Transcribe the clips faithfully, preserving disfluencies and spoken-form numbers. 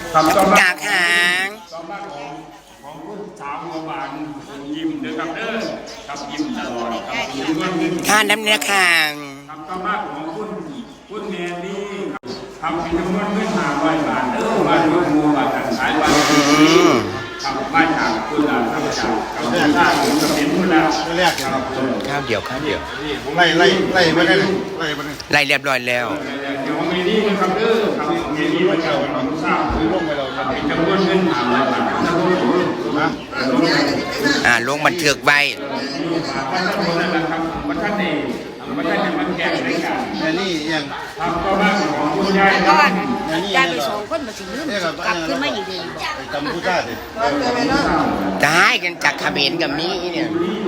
จากหางต่อมาของของคุณสาวบัวบานยิ้มเด้อครับเด้อครับยิ้มตลอดครับยิ้มเงินท่านน้ำเนื้อคางครับต่อมาของคุณคุณแมรี่ครับมีจำนวนเงินห้าร้อยบาทเด้อมาดูมูมาจัดสายวันครับมาจากคุณอาทำจากกับคุณอาผมกับเป็นคุณอาแรกครับข้าวเดียวข้าวเดียวไล่ไล่ไล่มาได้ไล่มาได้ไล่เรียบร้อยแล้วเดี๋ยวมีนี่นะครับเด้อครับมีนี่มาจากวันทราบคือร่วมไปเราครับมีจำนวนเงินห้าร้อยบาทนะอ่าลงบันทึกไว้วันท่านคนนั้นนะครับวันท่านเองวันท่านจะมาแก้ในการแม่นี่ยังทำก็บ้านของคุณยายก่อนยายไปสองคนมาถึงลืมกลับขึ้นมาอีกเลยจำพูดได้สิจะให้กันจากเขมรกับมีเนี่ย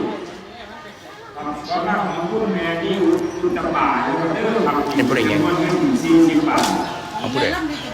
ก็บ้านของคุณแม่ที่คุณจะป่าอยู่กับเด้อครับเป็นผู้ใดเนี่ยวันเงินสี่สิบบาทของผู้ใด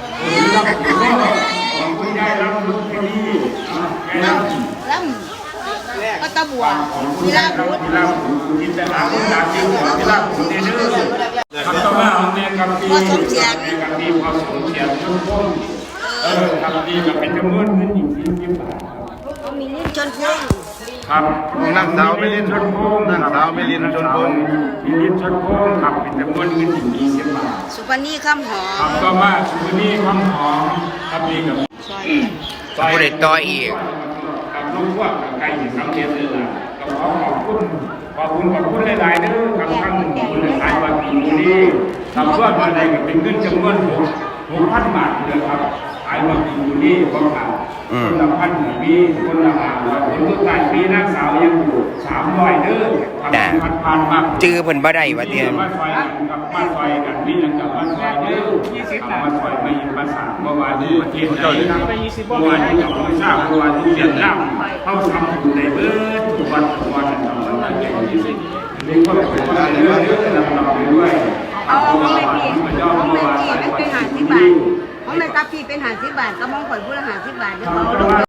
ของคุณยายรับลูกที่นี่แกรับล่ำก็ตะบัวของคุณวิยาลายรับพุทธที่รับกินแต่หาคุณยายจริงของที่รับคุณเด้อครับต่อมาของแม่กับพี่แม่กับพี่พอสมเสียงทุกคนเออครับพี่กับเป็นจำนวนเงินอีกสี่สิบบาทมีนิ่ชนพุ่งครับนั่งสาวไม่ลินชนโค้งนั่งสาวไม่ลินชนโค้งมีลินชนโค้งครับเป็นจำนวนเงินถึงยี่สิบบาทสุปนีข้ามหอครับก็มาสุนีคำหอมครับนี่กับซอยของผู้ใดต่ออีกกับลูกว่ากับไก่สำเร็จเลยล่ะก็ขอขอบคุณขอบคุณขอบคุณหลายๆเด้อครับทั้งคุณหลายวันนี้ทำเพื่อมาได้กับเป็นเงินจำนวนหกหกพันบาทเลยครับขายวันอยู่นี่ก็ขาดคนละพันปีคนละห้าร้อยคนทุกท่านปีนักสาวยังอยู่สามร้อยเด้อครับพันพันมากจื้อเพิ่นบ่ได้ว่าเตียนมาซอยกันกับมาซอยกันมีอย่างกับมาซอยเด้อยี่สิบมาซอยไปยิงภาษาเมื่อวานนี้ประเทศไทยไปยี่สิบเมื่อวานนี้กับภาษาเมื่อวานที่เวียดนามเขาทำอยู่ในเบิร์ดทุกวันทุกวันทำตั้งแต่เด็กยี่สิบมีคนเป็นว่าเรื่อยๆนำเราไปด้วยเอาของแม่พี่มันขย่อองเมื่อแม่วานพี่สายมันคนเป็นหาสิบบาทของแม่กับพี่เป็นหาสิบบาทก็มองข่อยพูดละหาสิบบาทเดี๋ยวเขา